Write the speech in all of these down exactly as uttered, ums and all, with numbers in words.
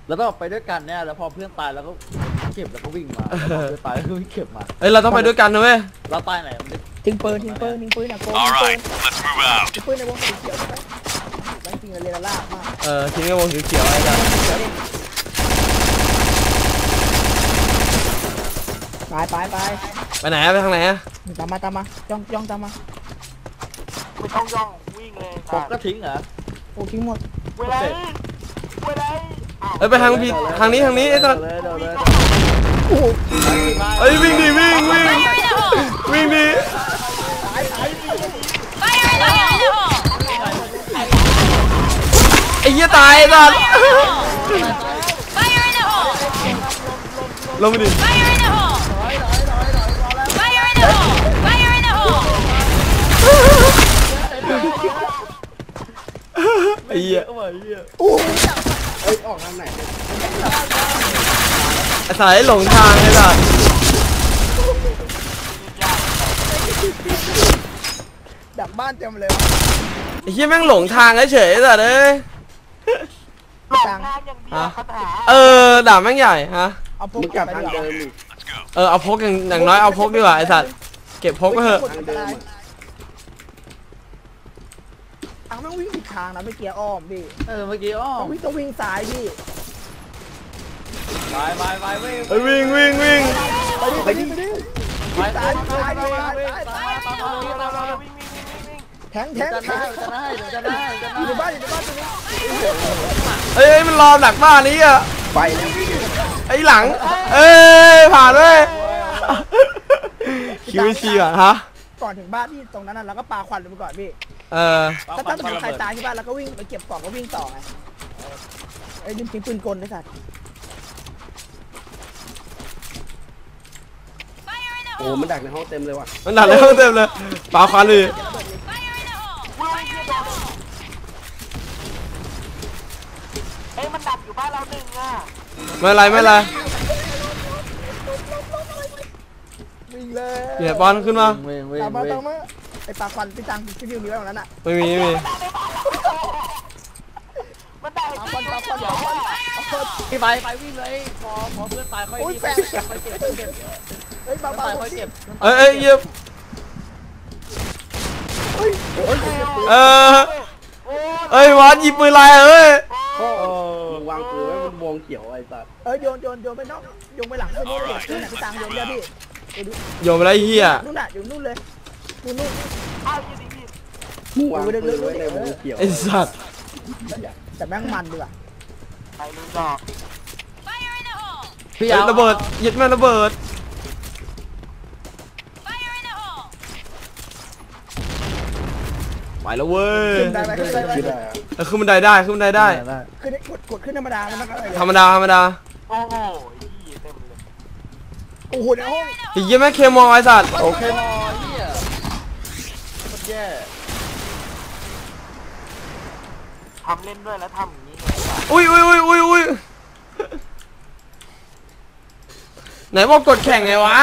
แล้วต้องไปด้วยกันเนี่ยแล้วพอเพื่อนตายแล้วก็เก็บแล้วก็วิ่งมาเพื่อนตายแล้วก็วิ่งเก็บมาเอ้ยเราต้องไปด้วยกันนะเว้ยเราตายไหนมันทิ้งปืนทิ้งปืนทิ้งปืนนะโกงทิ้งปืนทิ้งปืนในวงสีเขียวใช่ไหมแม่งจริงเลยละลากมากเออทิ้งในวงสีเขียวอะไรกันไปไปไปไปไหนไปทางไหนอะตามมาตามมาย่องย่องตามมาไม่ต้องย่องวิ่งเลยผมก็ทิ้งเหรอโอ้ทิ้งหมดเวลาเวลาเอ้ยไปทางผิดทางนี้ทางนี้ไอ้สัสโอ้เอ้ยวิ่งดิวิ่งวิ่งวิ่งดิไอ้เหี้ยตายไอ้สัสลงไปดิไอ้เหี้ยโอ้เอ้ยออกทางไหนไอ้สายหลงทางไอ้สัสดักบ้านเต็มเลยไอ้เหี้ยแม่งหลงทางเฉยๆสัสเอ้ยหลงทางอย่างเดียวคาถาเออด่าแม่งใหญ่ฮะเอาพกกลับทางเดิมเออเอาพกอย่างอย่างน้อยเอาพกดีกว่าไอ้สัสเก็บพกก็เถอะทางแม่งวิ่งผิดทางนะไม่เกียร์อ้อมพี่เออเมื่อกี้อ้อต้องวิ่งต้องวิ่งซ้ายพี่ไปไปไปวิ่งไปวิ่งวิ่งวิ่งไปดิไปดิไปดิไปซ้ายซ้ายซ้ายซ้ายแทงแทงจะได้จะได้จะได้จะได้อยู่ในบ้านอยู่ในบ้านตรงนี้เอ้ยมันรอหลักบ้านนี้อ่ะไปแล้วไอ้หลังเอ้ยผ่านเลยคิวซีอ่ะฮะก่อนถึงบ้านที่ตรงนั้นเราก็ปาควันลงไปก่อนพี่เออถ้าถ้าเป็นใครตายที่บ้านเราก็วิ่งไปเก็บกล่องก็วิ่งต่อไงไอ้ยิงปืนกลไอ้สัตว์โอ้มันดักในห้องเต็มเลยว่ะมันดักในห้องเต็มเลยปาควันเลยเอ้ยมันดักอยู่บ้านเราหนึ่งอ่ะไม่ไรไม่ไรวิ่งเลยเดี๋ยวบอลขึ้นมาตามมาตามมาไอ้ปาควันพี่ตังที่วิวมีไว้ตรงนั้นอ่ะไม่มีไม่มีมันดักปาควันปาควันปาควันพี่ไปไปวิ่งเลยพอพอเพื่อนตายค่อยวิ่งค่อยเก็บเก็บเฮ้ยปาควันค่อยเก็บเอ้ยเอ้ยเย็บเออเอ้ยวัดหยิบปืนลายเอ้ยวางปืนไว้บนวงเขียวไอ้สัสเอ้ยโยนโยนโยนไปนอกโยนไปหลังไปนู่นเลยนู่นน่ะพี่ตังโยนเลยพี่โยนไปไรเฮียนู่นน่ะอยู่นู่นเลยนู่นนู่นอ้าวยิงดิพี่วางปืนไว้ในวงเขียวไอ้สัสแต่แม่งมันดีว่ะไปลุยดอกพี่ระเบิดยึดแม่ระเบิดไปแล้วเว้ยขึ้นได้ไหมขึ้นได้ไหมเออขึ้นบันไดได้ขึ้นบันไดได้ขึ้นกดกดขึ้นธรรมดาแล้วมันก็ธรรมดาธรรมดาโอ้โหเต็มเลยโอ้โหในห้องไอ้เหี้ยแม่เคมอไอ้สัตว์โอเคมอเหี้ยมันแย่ทำเล่นด้วยแล้วทำอย่างนี้อุ้ยอุ้ยอุ้ยอุ้ยอุ้ยไหนบอกกดแข่งไงวะ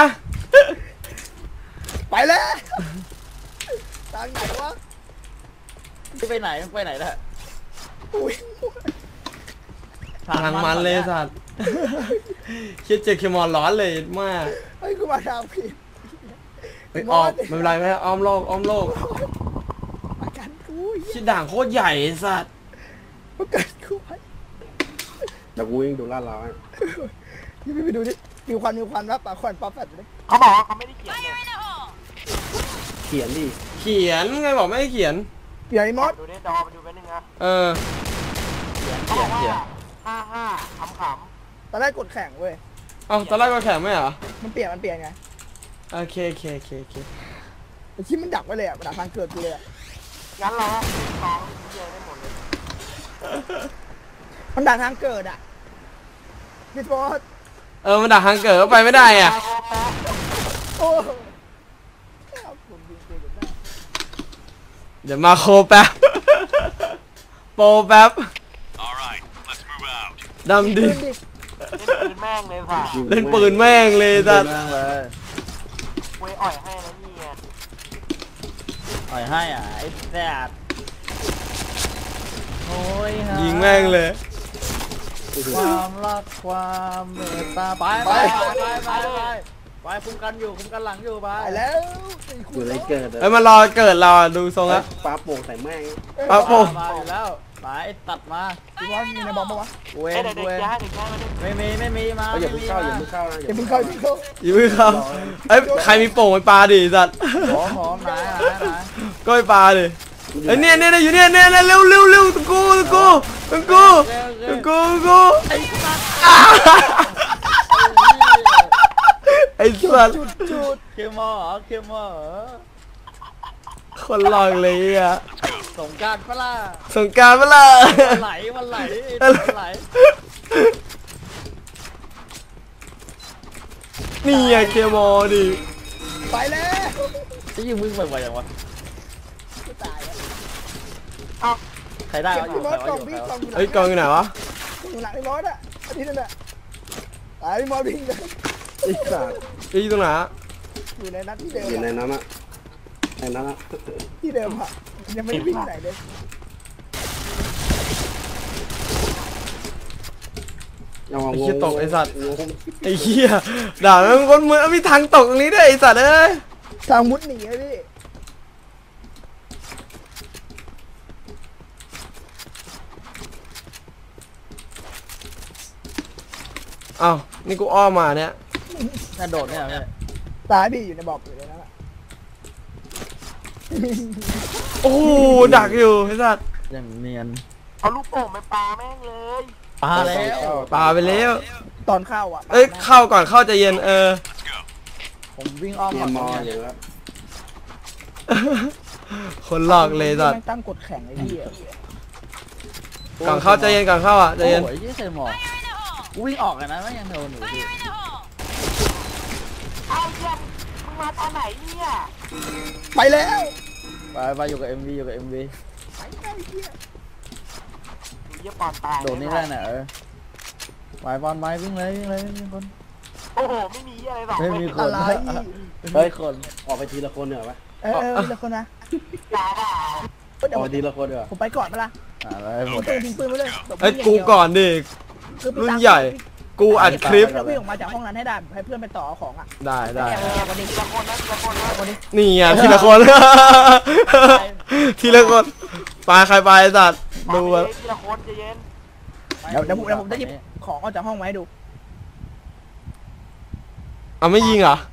ไปแล้วทางไหนวะไปไหนไปไหนล่ะทางมันเลยสัตว์คิดเจอเคมอนร้อนเลยมากเฮ้ยกูมาทางผิดไปออกไม่เป็นไรไหมอ้อมโลกอ้อมโลกประกันกูชิดด่างโคตรใหญ่สัตว์ประกันกูไปเดี๋ยวกูวิ่งดูลาดเรานี่ไปดูดิมีควันมีควันว่าปากควันป๊อปแฟดเลยเขาบอกว่าเขาไม่ได้เขียนเลยเขียนดิเขียนไงบอกไม่ได้เขียนใหญ่มอสดูดิดอมาดูไปนึงนะเออเขาบอกว่าห้าห้าขำขำตอนแรกกดแข่งเว้ยเอ้าตอนแรกก็แข่งไม่เหรอมันเปลี่ยนมันเปลี่ยนไงโอเคโอเคโอเคโอเคไอ้ที่มันดักไว้เลยอ่ะมันดักทางเกิดกูเลยอ่ะงั้นเราสองเยอะได้หมดเลยมันดักทางเกิดอ่ะพี่บอสเออมันดักทางเกิดก็ไปไม่ได้อ่ะโอ้เดี๋ยวมาโคแป๊บโปแป๊บดำดิเล่นปืนแม่งเลยค่ะเล่นปืนแม่งเลยจ้ะเว้ยอ่อยให้แล้วนี่ไงอ่อยให้อ่ะไอ้แซ่บโอ้ยยิงแม่งเลยความรักความเมตตาไปไปไปไปไปไปคุ้มกันอยู่คุ้มกันหลังอยู่ไปไปแล้วอยู่ไรเกิดเอ้ยมันรอเกิดเราดูทรงละปลาโป่งใส่แม่งปลาโป่งมาอยู่แล้วไปตัดมาพี่บอลมีในบอมปะวะเวนเวนไม่มีไม่มีมาอย่าเพิ่งเข้าอย่าเพิ่งเข้านะอย่าเพิ่งเข้าอย่าเพิ่งเข้าอย่าเพิ่งเข้าเอ้ยใครมีโป่งไปปลาดิสัตว์หอมหอมไหนไหนไหนก็ไปปลาดิเอ้ยเนี่ยเนี่ยอยู่เนี่ยเนี่ยเร็วเร็วเร็วตะกูตะกูตะกูตะกูตะกูไอ้สัตว์จุดจุดเคมอเหรอเคมอเหรอคนหลอกเลยอ่ะสงการปะล่ะสงกรารเปล่ามันไหลมันไหลมันไหลนี่ไงเคมอดิไปแล้วจะยิงมึงบ่อยๆอย่างวะตายแล้วใครได้เก็บวะอพี่ยู่บอใครลวะกอล่องยู่ใครวะพี่กล่องอยู่ไหนเอ้ยกองอยู่ไหนวะอยู่หลังไอ้บอลอ่ะอาทิตย์นั่นแหละตายพี่บอลวิ่งเลยไอ้สัตว์ไอ้ยตรงไหนอะอยู่ในนัดที่เดิมอยู่ในอะนั้นอะในนั้นอะที่เดิมอ่ะยังไม่ได้วิ่งไหนเลยเอาไอ้งเหี้ยตกไอ้สัตว์งงไอ้เหี้ยด่าแม่งคนมือเอามีทางตกตรงนี้ด้วยไอ้สัตว์เอ้ยทางมุดหนีเลยพี่อ้าวนี่กูอ้อมมาเนี่ยน่าโดดเนี่ยพี่ตายพี่อยู่ในบอมอยู่ในนั้นอะโอ้โหดักอยู่ไอ้สัตว์อย่างเนียนเอาลูกโป่งไปปาแม่งเลยปาแล้วปาไปแล้วตอนเข้าอ่ะเอ้ยเข้าก่อนเข้าใจเย็นเออผมวิ่งอ้อมเกก่อมนมอเนี่อย ยู่ครับคนหลอกเลยสัตว์แม่งตั้งกฎแข่งไอ้พี่ก่อนเข้าใจเย็นก่อนเข้าอ่ะใจเย็นโอ้ยยี่เคยหมอกกูวิ่งออกกันนะไม่ยังโดนอยู่พี่เอาเยี่ยมมึงมาตอนไหนเนี่ยไปแล้วไปไปอยู่กับเอ็มวีอยู่กับเอ็มวีไปแล้วไอ้เหี้ยดูเยี่ยปอนตายโดดนี่ได้น่ะเออไปบอลไม้วิ่งเลยวิ่งเลยวิ่งคนโอ้โหไม่มีอะไรหรอกไม่มีคอะนไรเฮ้ยคนออกไปทีละคนเหรอวะเออเออแล้วคนนะด่าด่าเฮ้ยอเดี๋ยวอกไปทีละคนเหรอผมไปก่อนปะล่ะอะไรหผม มดปืนทิ้งปืนไปเลยเอ้ยกูก่อนดิคือพี่รุ่นตั๊กใหญ่ กูอัดคลิปเราวิ่งออกมาจากห้องนั้นให้ได้ให้เพื่อนไปต่อเอาของอ่ะได้ได้แอบแอบวันนี้ทีละคนนะทีละคนนะวันนี้นี่ไงทีละคน ทีละคนไปใครไปไอ้สัตว์ดูดูเลอะยทีละคนใจเย็นเดี๋ยวเดี๋ยวผมเดี๋ยวผมจะหยิบของออกจากห้องมาให้ดูเอาไม่ยิงเหรอ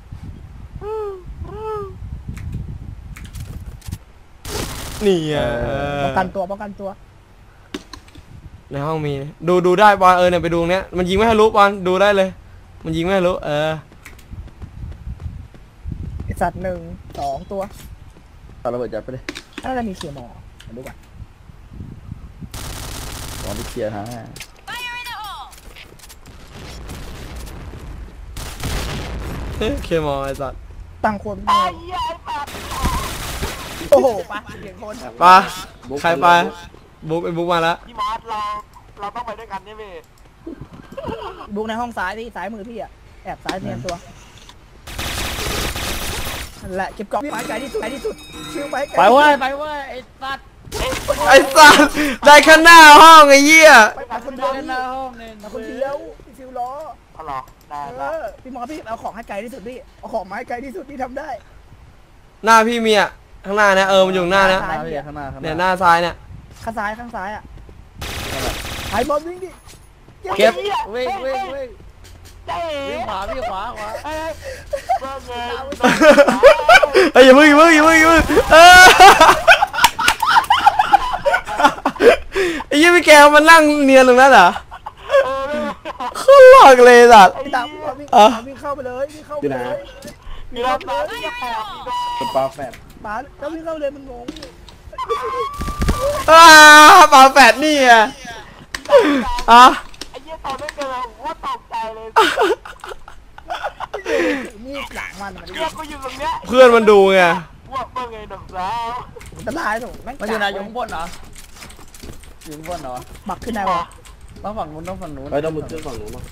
นี่ไงเออป้องกันตัวป้องกันตัวในห้องมีดูดูได้บอลเออเนี่ยไปดูตรงเนี้ยมันยิงไม่ให้รู้บอลดูได้เลย มันยิงไม่ให้รู้เออไอ้สัตว์หนึ่งสองตัวตอนระเบิดจัดไปเลยน่าจะมีเขียร์หมอมาดูก่อนตอนที่เคลียร์ฮะเฮ้ยเคมอลไอ้สัตว์ตั้งคนไอ้เหี้ยไอ้ปาโอ้โหปะเสียงคนไปใครไปบุ๊กไอ้บุ๊กมาแล้วพี่มอสเราเราต้องไปด้วยกันใช่ไหมบุกในห้องซ้ายที่ซ้ายมือพี่อ่ะแอบซ้ายเนียนตัวนั่นแหละเก็บกล่องไปไกลที่สุดไกลที่สุดชิวไปไกลไปเว้ยไปเว้ยไอ้สัตว์ไอ้สัตว์ได้ข้างหน้าห้องไอ้เหี้ยไปไปคนเดิเดียวนหน้าห้องเนี่ยมาคนเดียวพี่ฟิวล้อเอาหรอได้เอได้อพี่หมอพี่เอาของให้ไกลที่สุดพี่เอาของมาให้ไกลที่สุดพี่ทำได้หน้าพี่มีอ่ะข้างหน้าเนี่ยเออมันอยู่ข้างหน้าเนี่ยข้างหน้าพี่ข้างหน้าข้างหเนี่ยหน้าน้าซ้ายเนี่ยข้างซ้ายข้างซ้ายอ่ะไอ้บอลวิ่งดิเก็บวิ่งวิ่งวิ่งเจ๊วิ่งขวาวิ่งขวาขวาเอ้ยเบิ่งเงินเฮ้ยอย่าพึ่งอย่าพึ่งอย่าพึ่งอย่าพึ่งเออไอ้ยี่พี่แกมันนั่งเนียนตรงนั้นเหรอเขาหลอกเลยสัตว์พี่ตามพี่บอลวิ่งอ่ะวิ่งเข้าไปเลยวิ่งเข้าไปเลยมีรถมาที่จะแปดมีรถเป็นปลาแฝดป๋าแล้ววิ่งเข้าเลยมันงงอ้าปาแฝดนี่อ่ะอ่ะไอ้เหี้ยตอนไม่เกินเลยว่าตกใจเลยนี่หลังมันมันเรียกกูอยู่ตรงเนี้ยเพื่อนมันดูไงว่าเบิ่งไงหนุ่มสาวอันตรายถูกแม่งมันอยู่ไหนอยู่ข้างบนเหรออยู่ข้างบนเหรอบักขึ้นได้วะต้องฝั่งนู้นต้องฝั่งนู้นเฮ้ยต้องมุดขึ้นฝั่งนู้นมั้ง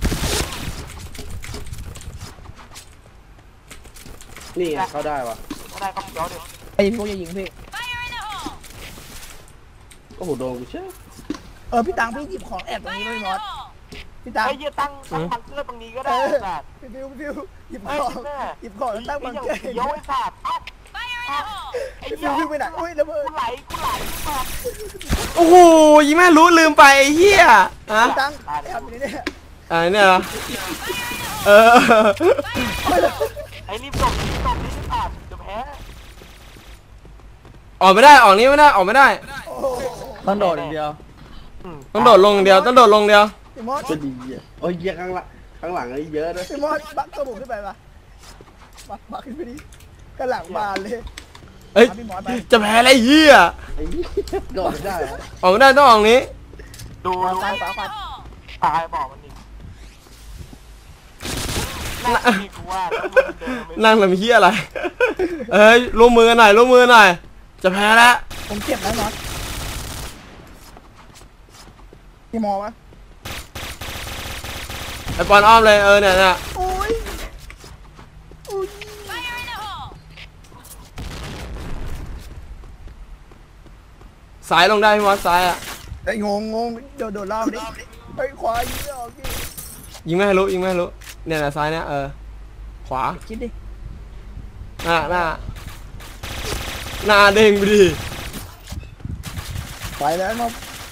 นี่ไงเข้าได้วะไม่ได้ก็เดี๋ยวดิไอ้พวกอย่ายิงพี่โอ้โหโดนกูเชื่อเออพี่ตังพี่หยิบของแอบตรงนี้ไม่มอสพี่ตาไอ้เหี้ยตั้งตั้งบังเกอร์ตรงนี้ก็ได้สัตว์พี่ฟิวฟิวหยิบไอ้ของแม่หยิบของแล้วตั้งบังเกอร์เดี๋ยวไอ้สัตว์ไอ้พี่เหี้ฟิยวฟิวไปไหนอุ้ยระเบิดกูไหลกูไหลสัตว์โอ้โหยิงแม่รู้ลืมไปไอ้เหี้ยฮะตั้งแอบอยู่ในนี้อะไรเนี่ยเหรอเออไอ้รีบส่งรีบส่งรีบสัตว์จะแพ้ออกไม่ได้ออกนี้ไม่ได้ออกไม่ได้โอ้โหต้องโดดอย่างเดียวต้องโดดลงเดียวต้องโดดลงเดียวพี่มอสก็ดีอ่ะโอ้ยเยอะข้างหลังข้างหลังไอ้เยอะด้วยพี่มอสบักตัวบุกขึ้นไปปะบักบักขึ้นไปดิกระหลังบานเลยเอ้ยเอาพี่มอสไปจะแพ้อะไรเหี้ยไอ้โดดได้ออกไม่ได้ต้องออกนี้ดูวางซ้ายขวาขวาตายบอกมันดิน่าดีกูว่าแล้วมึงเดินไปนั่งทำเหี้ยอะไรเอ้ยร่วมมือกันหน่อยร่วมมือกันหน่อยจะแพ้แล้วผมเจ็บแล้วมอสพี่มอสวะไอปอนอ้อมเลยเออเนี่ยเนี่ยโอ้ยอุ้ยสายลงได้พี่มอสซ้ายอ่ะไอ้งงงงโดดโดดรอบดิไปขวายิงไม่ออกพี่ยิงไม่ให้รู้ยิงไม่ให้รู้เนี่ยนะซ้ายเนี่ยเออขวาคิดดิหน้าหน้าหน้าเด้งไปดิไปแล้วมอส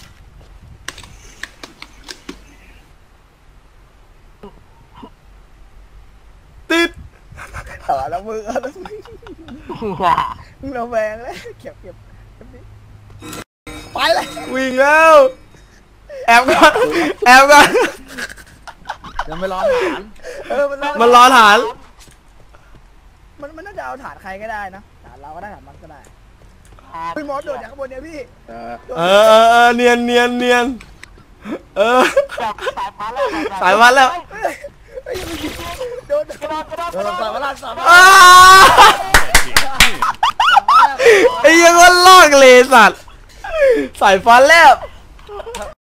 ติดต่อแล้วมือแล้วมือมึงระแวงเลยเก็บเก็บเก็บดิไปเลยวิ่งแล้วแอบก่อนแอบก่อนยังไม่ร้อนฐานเออมันมันรอฐานมันมันน่าจะเอาฐานใครก็ได้นะฐานเราก็ได้ฐานมันก็ได้พี่มอสโดดจากข้างบนเนี่ยพี่เออเออเออเออเนียนเนียนเนียนเออแบบสายฟ้าแล้วสายวัดแล้วเฮ้ยเฮ้ยยังไม่ยิงโดนกระโดดกระโดดเอกระอโดดสามล้านสามล้านอ้าไอ้ยังว่าลอกเลยสัตว์สายฟ้าแลบ